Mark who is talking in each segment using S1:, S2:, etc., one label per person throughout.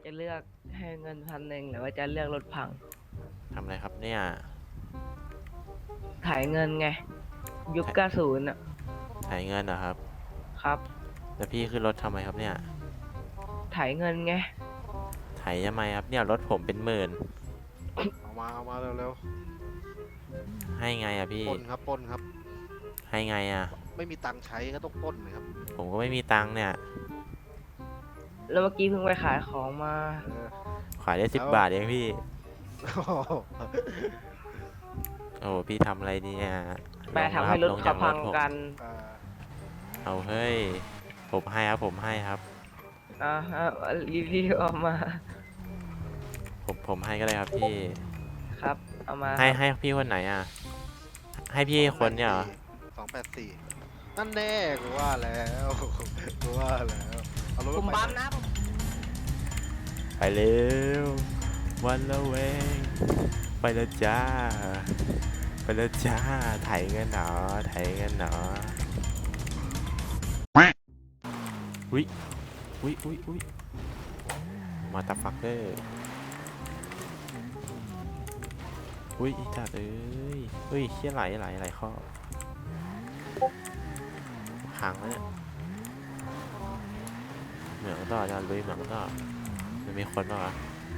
S1: จะเลือกให้เงิน1,100หรือว่าจะเลือกรถพัง
S2: ทำอะไรครับเนี่ย
S1: ถ่ายเงินไงยุค90อ่ะ
S2: ถ่ายเงินเหรอครับ
S1: ครับ
S2: แล้วพี่ขึ้นรถทำไมครับเนี่ย
S1: ถ่ายเงินไง
S2: ถ่ายทำไมครับเนี่ยรถผมเป็นหมื่น
S3: เอามาเร็ว
S2: ให้ไงอะพี่
S3: ๆปล้นครับปล้นครับ
S2: ให้ไงอะ
S3: ไม่มีตังค์ใช้ก็ต้องปล้นเลยครับ
S2: ผมก็ไม่มีตังค์เนี่ย
S1: แล้วเมื่อกี้เพิ่งไปขายของมา
S3: เออ
S2: ขายได้10 บาทเองพี่
S3: โอ้โห
S2: โอ้พี่ทำอะไรเนี่ย
S1: แม่ทำให้รถเขาพังกัน
S3: อ่า
S2: เอาเฮ้ยผมให้ครับผมให้ครับ
S1: ฮะรีวิวเอามา
S2: ผมให้ก็ได้ครับพี่
S1: ครับเอามา
S2: ให้พี่คนไหนอะให้พี่คนเนี่ยเหรอ
S3: 284นั่นแน่กูว่าแล้วกูว่าแล้วเอารถ
S1: ผมบัมนะผม
S2: ไปเร็ววันละเวงไปแล้วจ้าไปแล้วจ้าไถเงินหนอไถเงินหนออุ้ยมาตาฟักเกอร์อุ้ยจัดเอ้ยอุ้ยเชี่ยไหลข้อขังแล้วเนี่ยเหมืองต่อจะลุยเหมืองต่อมันมีคนป่ะวะ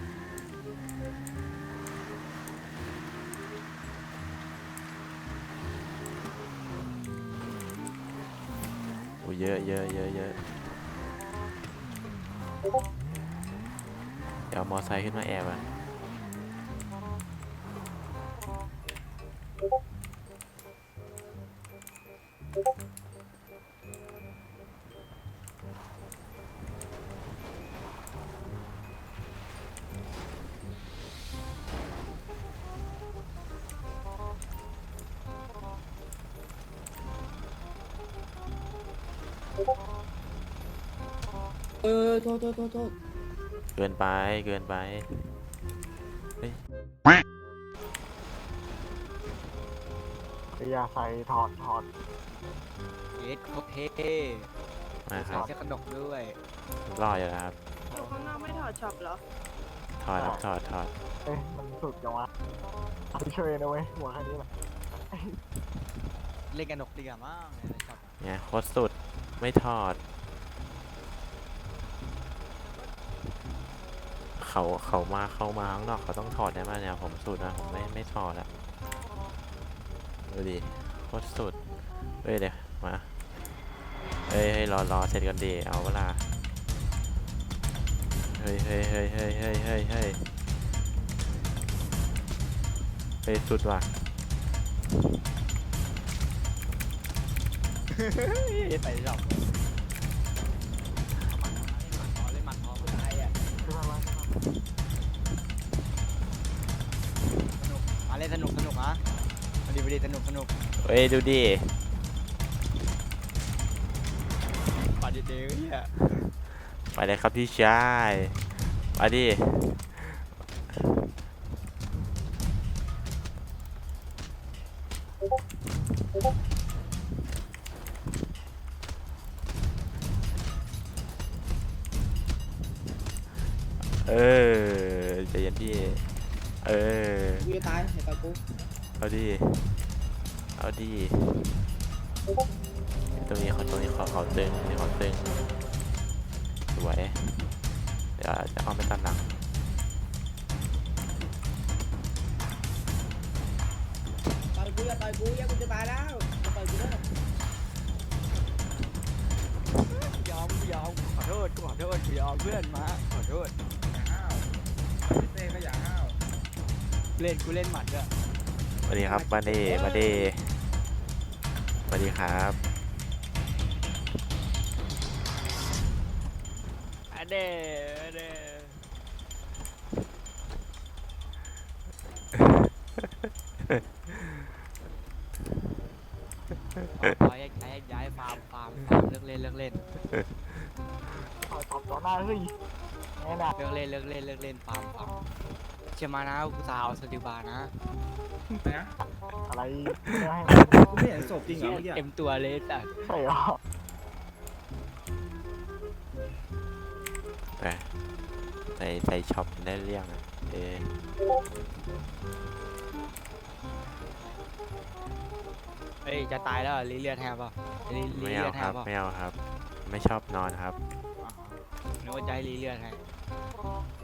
S2: โอ้เยอะเดี๋ยวมอไซค์ขึ้นมาแอบอ่ะ
S4: โทษ
S2: เกินไปเฮ้ย
S4: อย่าใส่ถอด
S5: เย็ดโคตรเท่
S2: มาค
S5: ใส่
S2: รับ
S5: เสื้อขนกด้วย
S2: รออยู่นะครับ
S6: อยู่ข้างนอกไม่ถอดช็อปเหรอ
S2: ถอดครับถอด
S4: เอ้ยมันสุดจังวะไม่ช่วยนะเว้ยหัวแค่นี้แหละ
S5: เล่นกันหนกดีกว่ามั้งในช็อปอะ
S2: เนี่ยโคตรสุดไม่ถอดเขามาเข้ามาข้างนอกเขาต้องถอดได้ไหมเนี่ยผมสุดนะผมไม่ถอดอะดูดิโคตรสุดเฮ้ยเดี๋ยวมาเฮ้ยรอเสร็จกันดีเอาเวลาเฮ้ยสุดว่ะ
S5: ใส่ช็อปเล่นหมัดพอคนไทยอ่ะ
S4: ขึ้นมา
S5: สนุกมาเล่นสนุกอ่ะมาดีสนุก
S2: เฮ้ยดูดิ
S5: ปัดเดียวเฮีย
S2: ไปเลยครับพี่ชายมาดิใจเย็นพี่
S4: กูจะตายตายกู
S2: เอาดิตรงนี้เขาตึงนี่เขาตึงสวยเดี๋ยวจะเอาไปตัดหลัง
S4: ตายกูอย่ากูจะตายแล้วจะตายกูแล้ว
S5: ยอมขอโทษกูยอมเพื่อนมาขอโทษเต้ก็อย่าห้าวกูเล่นหมัดด้วย
S2: สวัสดีครับมาดิสวัสดีครับ
S5: อันเด้ย้ายฟาร์มเลิกเล่น
S4: ถอดต่อหน้าเฮ้ยแน่น่ะ
S5: เลิกเล่นฟาร์มเชื่อมานะกูสาวสติบานะ
S4: อะไรไม่ให้
S7: ไม่เห็นศพจริงเหรอเมื่อกี้
S5: เต็มตัวเลยแต่
S4: ใส่หรอ
S2: ไปใส่ช็อปได้เรื่องอะเออ
S5: เอ้ยจะตายแล้วเหรอรีเลือดแทบป่ะรี
S2: ไม่
S5: เลื
S2: เอา
S5: อดแท
S2: ครับ บ
S5: ป่ะ
S2: ไม่เอาครับ ไม่ชอบนอนครับ
S5: นึกว่าจะให้รีเลือดให้